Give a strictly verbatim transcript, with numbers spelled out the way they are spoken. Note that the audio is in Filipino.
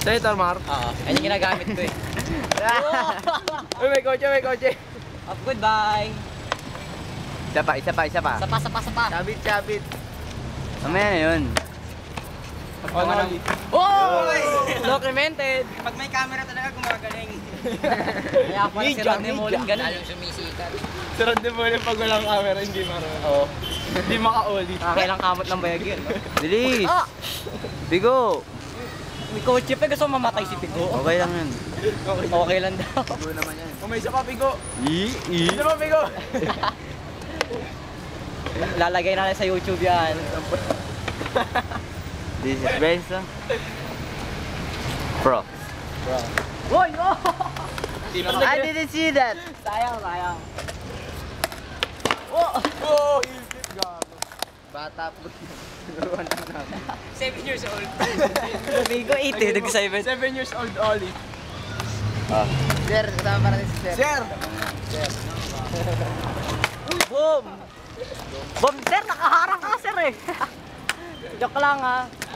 Senator Mar? Oo, ayun yung ginagamit ko eh. Uy, may kotse, may kotse. Of goodbye. Isa pa, isa pa, isa pa. Sapa, sapa, sapa. Sabit, sabit. Mamaya na yun. Oh, no. Oy! Documented. Pag may camera talaga gumagaling. Kaya pala si Media, Rodney Mullen media. ganun. Lalong sumisikat. Si Rodney Mullen pag walang camera, hindi marunong. Oo. Hindi maka-oli. Nakakailang kamot ng bayag yun. No? Bilis! Ah! Bigo! May kotse pa, gusto mo mamatay si Pigo. Okay lang yun. Okay lang daw. Bigo naman yan. Kung may isa pa, Bigo. I, i. Isa pa, Bigo. Lalagay natin sa YouTube yan. This is Benzo. Pro. Uy! Oh! I didn't see that! Sayang, sayang. Oh! Oh, higit, gago. Bata po. Seven years old. Bigo, eight eh. Nag-seven. Seven years old, Oli. Ah. Sir, kasama pa rin si Sir. Sir! Boom! Boom, sir! Nakaharang ka, sir eh. Joke lang ha.